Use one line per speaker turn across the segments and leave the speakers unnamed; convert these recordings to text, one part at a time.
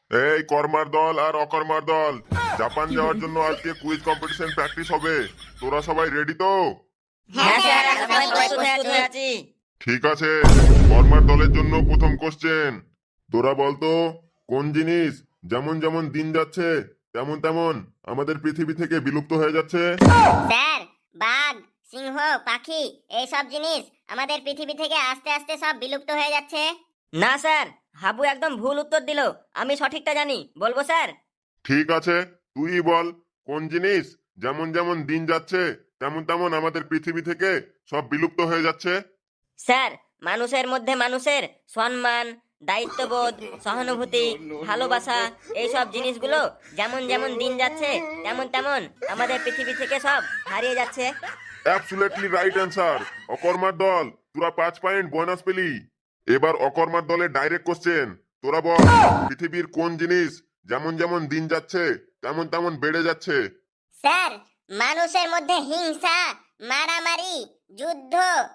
এই কর্মার দল আর অকর্মার দল, জাপান যাওয়ার জন্য আজকে কুইজ কম্পিটিশন প্র্যাকটিস হবে। তোরা সবাই রেডি তো?
হ্যাঁ স্যার, আমরা প্রস্তুত হয়ে আছি।
ঠিক আছে, কর্মার দলের জন্য প্রথম কোশ্চেন। তোরা বলতো, কোন জিনিস যেমন যেমন দিন যাচ্ছে তেমন তেমন আমাদের পৃথিবী থেকে বিলুপ্ত হয়ে যাচ্ছে?
স্যার, বাঘ, সিংহ, পাখি এইসব জিনিস আমাদের পৃথিবী থেকে আস্তে আস্তে সব বিলুপ্ত হয়ে যাচ্ছে।
না স্যার, হাবু একদম ভুল উত্তর দিল। আমি সঠিকটা জানি, বলবো স্যার?
ঠিক আছে, তুই বল, কোন জিনিস যেমন যেমন দিন যাচ্ছে তেমন তেমন আমাদের পৃথিবী থেকে সব বিলুপ্ত হয়ে যাচ্ছে?
স্যার, মানুষের মধ্যে মানুষের সম্মান, দায়িত্ববোধ, সহানুভূতি, ভালোবাসা এইসব জিনিসগুলো যেমন যেমন দিন যাচ্ছে তেমন তেমন আমাদের পৃথিবী থেকে সব হারিয়ে যাচ্ছে।
Absolutely right answer. অকর্মার দল, তোরা 5 পয়েন্ট বোনাস পেলি। এবার অকর্মার দলের ডাইরেক্ট কোশ্চেন। তোরা বল, পৃথিবীর কোন জিনিস যেমন যেমন দিন যাচ্ছে তেমন তেমন বেড়ে যাচ্ছে?
স্যার, মানুষের মধ্যে হিংসা, মারামারি, যুদ্ধ,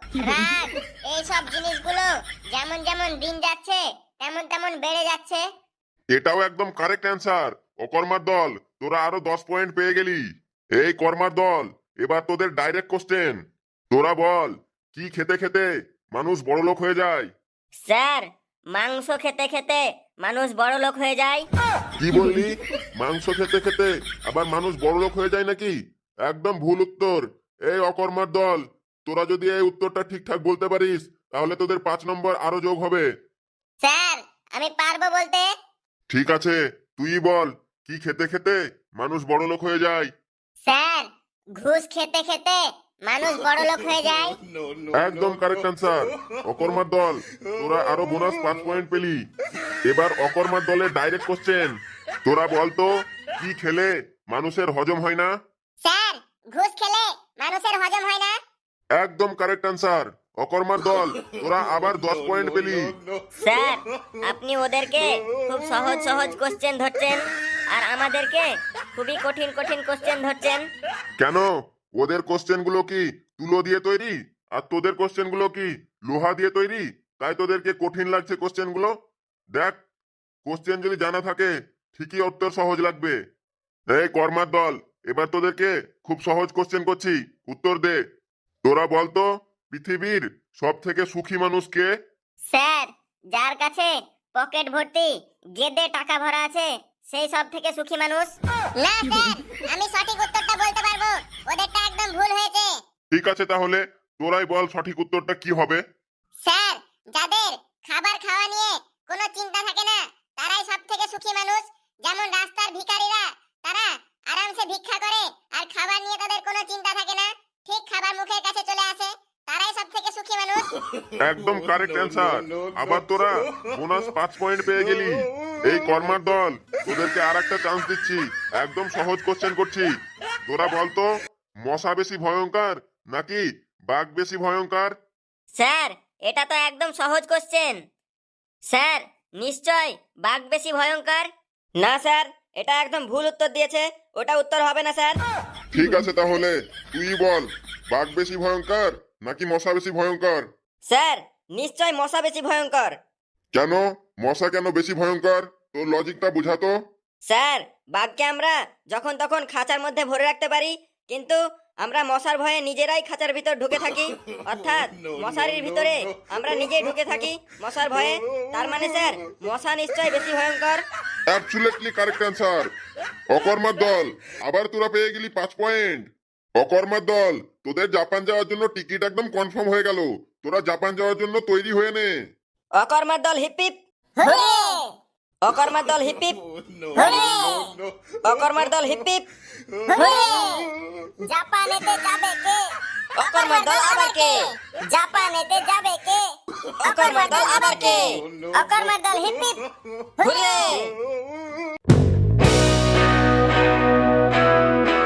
রাগ এইসব জিনিসগুলো যেমন যেমন দিন যাচ্ছে তেমন তেমন বেড়ে যাচ্ছে।
এটাও একদম কারেক্ট অ্যান্সার। অকর্মার দল, তোরা আরো 10 পয়েন্ট পেয়ে গেলি। এই কর্মার দল, এবার তোদের ডাইরেক্ট কোশ্চেন। তোরা বল, কি খেতে খেতে মানুষ বড়লোক হয়ে যায়?
স্যার, মাংস খেতে খেতে মানুষ বড় লোক হয়ে যায়।
কি বললি? মাংস খেতে খেতে আবার মানুষ বড়লোক হয়ে যায় নাকি? একদম ভুল উত্তর। এই অকর্মার দল, তোরা যদি এই উত্তরটা ঠিকঠাক বলতে পারিস তাহলে তোদের 5 নম্বর আরো যোগ হবে।
স্যার, আমি পারবো বলতে।
ঠিক আছে, তুই বল, কি খেতে খেতে মানুষ বড়লোক হয়ে যায়?
স্যার, ঘুষ খেতে খেতে মানুষ বড়লোক হয়ে যায়।
একদম কারেক্ট অ্যান্সার। অকর্মার দল, তোরা আরো বোনাস 5 পয়েন্ট পেলি। এবার অকর্মার দলের ডাইরেক্ট কোশ্চেন। তোরা বলতো, কি খেলে মানুষের হজম হয় না?
স্যার, ঘুষ খেলে মানুষের হজম হয় না।
একদম কারেক্ট অ্যান্সার। অকর্মার দল, তোরা আবার 10 পয়েন্ট পেলি।
স্যার, আপনি ওদেরকে খুব সহজ সহজ কোশ্চেন ধরছেন আর আমাদেরকে খুবই কঠিন কঠিন কোশ্চেন ধরছেন।
কেন? ওদের কোশ্চেন গুলো কি তুলো দিয়ে তৈরি আর তোদের কোশ্চেন গুলো কি লোহা দিয়ে তৈরি, তাই তোদেরকে কঠিন লাগছে কোশ্চেন গুলো? দেখ, কোশ্চেন যদি জানা থাকে ঠিকই উত্তর সহজ লাগবে। এই কর্মার দল, এবার তোদেরকে খুব সহজ কোশ্চেন করছি, উত্তর দে। তোরা বলতো, পৃথিবীর সব থেকে সুখী মানুষ কে?
স্যার, যার কাছে পকেট ভর্তি গেদে টাকা ভরা আছে সেই সব থেকে সুখী মানুষ। না স্যার, আমি সঠিক উত্তরটা বলতে পারবো, ওদেরটা একদম ভুল হয়েছে।
ঠিক আছে, তাহলে তোরাই বল সঠিক উত্তরটা কি হবে।
স্যার, যাদের খাবার খাওয়া নিয়ে কোনো চিন্তা থাকে না তারাই সব থেকে সুখী মানুষ। যেমন রাস্তার ভিখারিরা, তারা আরামসে ভিক্ষা করে আর খাবার নিয়ে তাদের কোনো চিন্তা থাকে না, ঠিক খাবার মুখের কাছে চলে আসে, তারাই সব থেকে সুখী মানুষ।
একদম কারেক্ট অ্যান্সার। আবার তোরা বোনাস 5 পয়েন্ট পেয়ে গেলি। এই কর্মার দল, তোদেরকে আর একটা চান্স দিচ্ছি, একদম সহজ কোশ্চেন করছি। তোরা বলতো, মশা বেশি ভয়ঙ্কর নাকি বাঘ বেশি ভয়ঙ্কর?
স্যার, এটা তো একদম সহজ কোশ্চেন। স্যার, নিশ্চয় বাঘ বেশি ভয়ঙ্কর। না স্যার, এটা একদম ভুল উত্তর দিয়েছে, ওটা উত্তর হবে না স্যার।
ঠিক আছে, তাহলে তুই বল, বাঘ বেশি ভয়ঙ্কর নাকি মশা বেশি ভয়ঙ্কর?
স্যার, নিশ্চয় মশা বেশি ভয়ঙ্কর।
কেন? মশা কেন বেশি ভয়ঙ্কর? তোর লজিকটা বুঝাতো।
স্যার, বাঘকে আমরা যখন তখন খাঁচার মধ্যে ভরে রাখতে পারি, কিন্তু আমরা মশার ভয়ে নিজেরাই খাঁচার ভিতর ঢুকে থাকি, অর্থাৎ মশারির ভিতরে আমরা নিজেই ঢুকে থাকি মশার ভয়ে। তার মানে স্যার, মশা নিশ্চয় বেশি ভয়ঙ্কর।
Absolutely correct answer. অকর্মার দল, আবার তোরা পেয়ে গেলি 5 পয়েন্ট। অকর্মার দল, তোদের জাপান যাওয়ার জন্য টিকিট একদম কনফার্ম হয়ে গেল। তোরা জাপান যাওয়ার জন্য তৈরি হয়ে নে।
অকর্মার দল হিপিপ,
হুররে!
অকর্মার দল হিপিপ,
হুররে!
অকর্মার দল হিপিপ।
হুররে! জাপানেতে যাবে কে?
অকর্মার দল আবার কে?
জাপানেতে যাবে কে?
অকর্মার দল আবার কে?
অকর্মার দল হিপ হিপ।
হুররে!